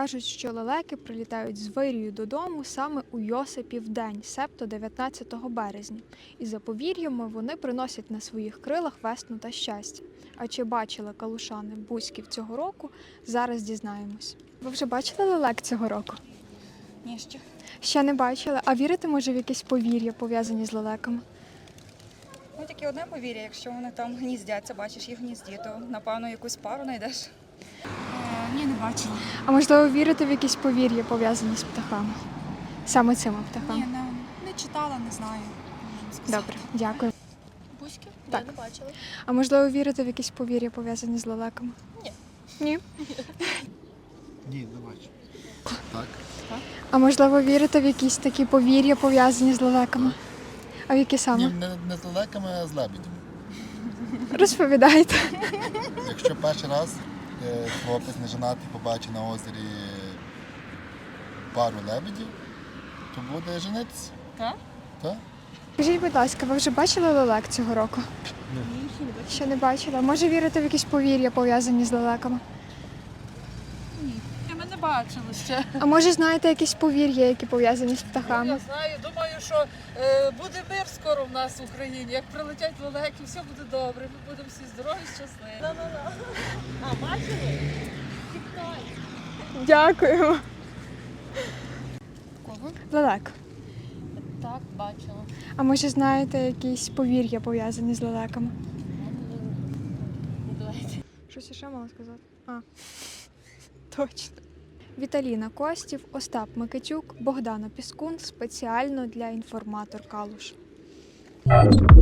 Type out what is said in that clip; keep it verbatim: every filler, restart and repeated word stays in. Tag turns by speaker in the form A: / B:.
A: Кажуть, що лелеки прилітають з вирію додому саме у Йосипів день, себто дев'ятнадцятого березня. І за повір'ями вони приносять на своїх крилах весну та щастя. А чи бачили калушани бузьків цього року, зараз дізнаємось. Ви вже бачили лелек цього року?
B: Ні, ще.
A: Ще не бачили. А вірите, може, в якісь повір'я, пов'язані з лелеками?
B: Ну, тільки одне повір'я, якщо вони там гніздяться, бачиш їх в гнізді, то, напевно, якусь пару знайдеш. Е, ні, не бачила.
A: А можливо, вірите в якісь повір'я, пов'язані з птахами? Саме цими птахами?
B: Ні, не, не читала, не знаю. Можу сказати.
A: Добре, дякую.
C: Бузьки?
A: Так.
C: Ні, не бачила.
A: А можливо, вірите в якісь повір'я, пов'язані з лелеками?
C: Ні.
A: Ні?
D: Ні, не бачу. Так?
A: А можливо, вірите в якісь такі повір'я, пов'язані з лелеками? А в які саме?
D: Ні, не, не з лелеками, а з лебедями.
A: Розповідайте.
D: Якщо перший раз е, хлопець неженатий побачить на озері пару лебедів, то буде женитися.
B: Так?
D: Так?
A: Скажіть, будь ласка, ви вже бачили лелек цього року?
C: Ні, ще не бачила.
A: Ще не бачила. Може, вірите в якісь повір'я, пов'язані з лелеками?
E: Ми не бачили ще.
A: А може, знаєте якісь повір'я, які пов'язані з птахами?
E: Я знаю, думаю, що е, буде мир скоро в нас в Україні. Як прилетять лелеки, все буде добре. Ми будемо всі здорові, щасливі.
C: А, бачили? Тікай.
A: Дякуємо.
B: Кого?
A: Лелек.
C: Так, бачила.
A: А може, знаєте якісь повір'я, пов'язані з лелеками?
C: Давайте.
A: Щось ще мала сказати? А, точно. Віталіна Костів, Остап Микитюк, Богдана Піскун спеціально для інформатор Калуш.